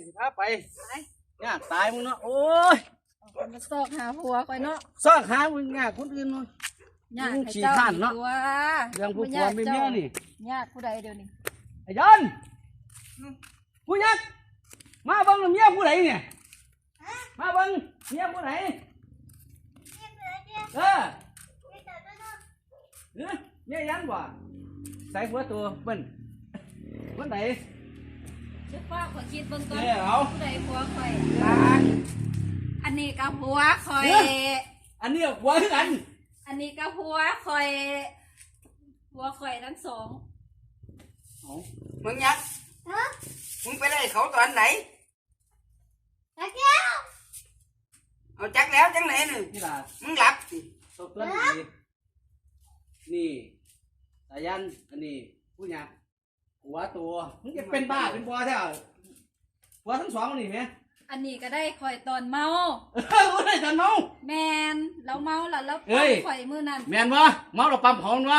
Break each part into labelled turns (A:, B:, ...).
A: สิพาไปเนี่ยตายมึงเนาะโอ้ย
B: มาซอกหาผัวคอยเนาะ
A: ซอกหามึงงาคนอื่นนู่นมึงขี้ข้านเนาะเรื่องผู้ผัวไม่เมียนี่
B: ญาติผู้ใดเดี๋ยวนี้
A: ไอ้ยันผู้ยักมาเบิ่งเมียผู้ใดเนี่ยมาเบิ่งเมียผู้ใดเออเมียยันบ่ใส่หัวตัวเปิ้นวันไหน
B: เจ้าพ่อขอคิดเบิ่งก่อนผู้ใดผัวคอยอันนี้กับผัวคอย
A: อันนี้ผัวคือกัน
B: อันนี้กับผัวคอยทั้งสอง
C: มึงยักมึงไปได้เขาตอนไหน
B: จักแล้ว
C: เอาจักแล้วจังไหนหนึ่งมึงหลับสิ
A: ตบต้นนี่สายันอันนี้ผู้หญิงหัวตัวมึงจะเป็นบ้าเป็นบัวแท้หัวทั้งสองนี่ไหม
B: อันนี้ก็ได้คอยตอนเมา
A: หัวได้ตอนเมา
B: แมนเราเมาแล้วปั๊มข่อยมือนั่น
A: แมนวะเมาเราปั๊มหอมวะ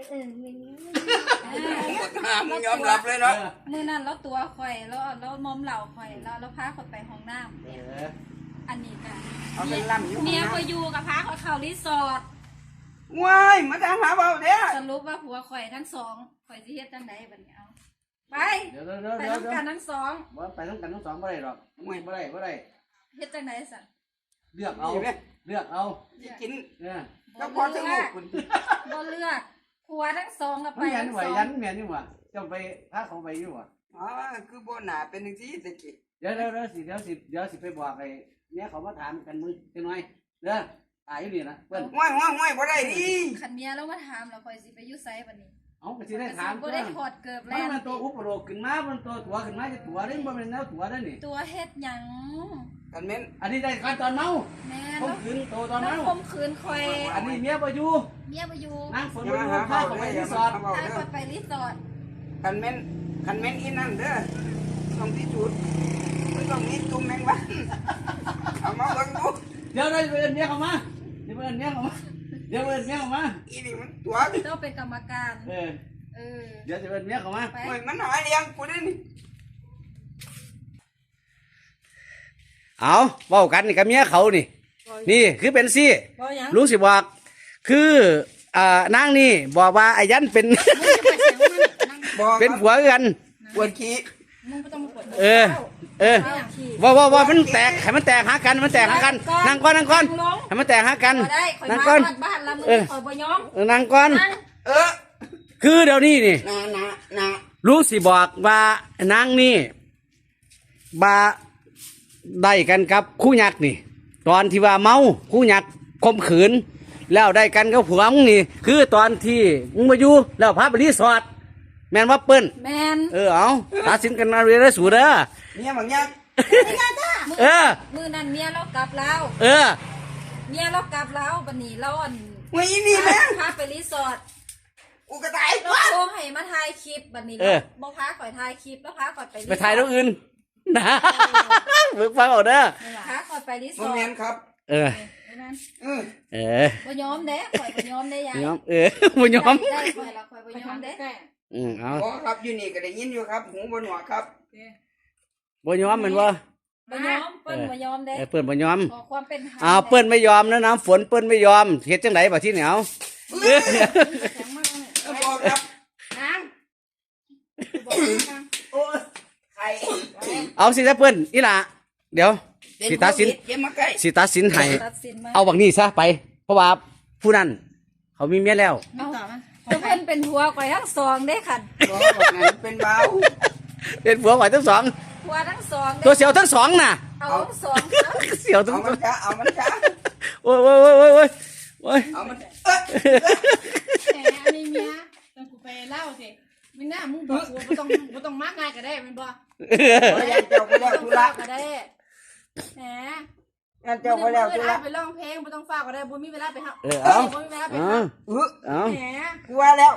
C: มึงยอมรับเลยเนาะ
B: มือนั่นแล้วตัวข่อยแล้วมอมเหล่าข่อยแล้วพาข่อยไปห้องน้ำอันนี้กันเมียข่อยอยู่กับพาข่อยเข้ารีสอร์ท
C: ว้ายมาทำหาเบาเด้อ
B: สรุปว่าผัวข่อยทั้งสองข่อยสิเฮ็ดจังไดบัดนี้เอาไปต้องการทั้งสอง
A: ไปต้องการทั้งสองไม่ได้หรอกไม่ได้
B: เฮ็ดจังไดสั่น
A: เลือกเอา
C: กิน
A: ก็
C: พอถึงลูกคุณ
B: บ่เลือกผัวทั้งสองแล้วไป
A: ทั้งสองยันแม่นี่หว่าจะไปพาเขาไปอยู่ว่ะ
C: คือบ่หนาเป็นจังซี่ตะกี้
A: เดี๋ยวสิไปบอกไอ้เนี่ยเขามาถามกันมึงจังหน่อยเด้อตายอยู่นี่นะเพิ่น
C: ห้วยบ่ได้ดิ
B: คันเมียแล้วมาถามแล้วข่อยสิไปอยู่ไสบัดนี้
A: เอาก็สิได้ถาม
B: บ่ได้ถอดเกือบแล้ว
A: มันตัวอุปโลกขึ้นมามันตัวตัวขึ้นมาจะตัวได้บ่แม่นแนวตัวได้นี่
B: ตัวเฮ็ดหยัง
C: กันแม่น
A: อันนี้ได้การตอนเมา
B: แม่น
A: ข่มขืนตัวตอนเมา
B: ข่มขืนข่อย
A: อันนี้เมียบ่อยู่นั่งฝนบ่อยู่พาเขาไปรีสอร์ท
B: ไปรีสอร์ท
C: กันแม่นอีนั่นเด้อต้องที่จุดไม่ต้องมีตุ้มแมงวันเอามาเบิ่งดู
A: เดี๋ยวได้เอิ้นเมียเข้ามาเดี๋ยวเอิ้นเมียเข้ามา
C: อีนี่มันตัว
B: เจ้าเป็นกรรมการ
A: เดี๋ยวจะเป็นเมียเขามา
C: โอ้ยมันหาเลี้ยงกูได้นี่
A: เอาเว้ากันนี่กับเมียเขานี่คือเป็นซี่ลุงสิบอกคือนางนี่บอกว่าไอ้ยันเป็นผัวกัน
C: ปวดขี้
A: ว่ามันแตกให้มันแตกหากันนั่งก่อนให้มันแตกหากันนั่งก่อนนั่งก่อนคือเดี๋ยวนี้นี่รู้สิบอกว่านางนี่บาได้กันกับคู่ยักษ์นี่ตอนที่ว่าเมาคู่ยักษ์ข่มขืนแล้วได้กันกับผัวมึงนี่คือตอนที่มึงมาอยู่แล้วพาไปรีสอร์ทแม่นว่าเปิ้น
B: แม่น
A: เอาตัดสินกันมาเรื่อยๆสู่เด้อ
C: เมียบางอย่าง
B: มือนั่นเมียเรากลับแล้วเมียเรากลับแล้วบัดนี้เรา
C: วันนี้แม่
B: พาไปรีสอร์ท
C: กูก็ตาย
B: เราโทรให้มาถ่ายคลิปบัดนี้บ่พาข่อยถ่ายคลิปแล้วพาข่อย
A: ไปถ่ายตรงอื่นนะมึงฟังเอาเด้อ
B: พาข่อยไปรีสอร์ท
C: แม่นครับ
B: บ่ยอมเด้ข่อยบ่ยอมเด้ยาย
A: บ่ยอม
B: ได้ข่อยละข่อยบ่ยอมเด้
A: เอา
C: ครับอยู่นี่ก็ได้ยินอยู่ครับหูบนหัวครับ
A: บ่ยอมเหมือนว่า
B: บ่ยอมเปิ้นบ่ยอมเด้
A: เปิ้นบ่ยอม
B: ขอความเป็นธรรม
A: เปิ้นไม่ยอมนะน้ำฝนเปิ้นไม่ยอมเฮ็ดจังไดบ่ที่เหนียว
C: บอกครับนาง
A: เอาสิเปิ้นอีหล่ะเดี๋ยวสิตัดสินให้เอาบักนี้ซะไปเพราะว่าผู้นั้นเขามีเมียแล้ว
B: เพิ่นเป็นผัวข่อยทั้งสองเด้ค่ะ
C: เป็นเบา
A: เป็นผัวข่อยทั้งสอง
B: ผัวทั้งสอง
A: ตัวเสียวทั้งสองน่ะ
B: เอาทั้งสอง
A: เสียวทั้งสอง
C: เอามันจ้า
A: โอ้ย
C: เอามัน
B: แหมอันนี้เมียต้องกูไปเล่าสิไม่น่ามึงบอกกูบ่ต้องมากง่ายก็ได้มันบ่
C: เจ้าไปแล้วธุระ
B: ก็ได้แหม
C: เจ้าไปแล้วธุระ
B: ไปร้องเพลงบ่ต้องฝากก็ได้บ่มีเวลาไปหาบ่มีเวลาไปหาแหม
C: กูว่าแล้ว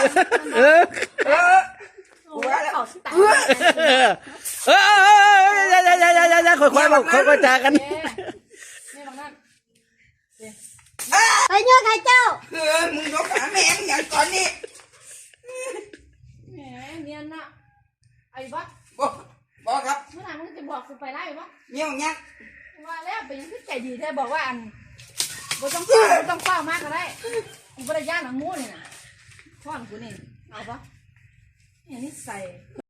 A: ค่อยจากัน
B: ไปเยอะใครเจ้า
C: มึงยกขาแม่มึงอย่างตอนนี้
B: แหมเนียนน่ะไอ้บ้า
C: บอกครับ
B: เมื่อไหร่มึงจะบอกกูไปไล่ปะ
C: เงี้ยวเงี้ย
B: ว่าแล้วเป็นยังคือใจดีแท้บอกว่าอันบ่ต้องเฝ้ามากก็ได้กูบ่ได้ย่านหนังมูนี่น่ะพ่อนกูนี่เอาปะเนี่ยนี่ใส่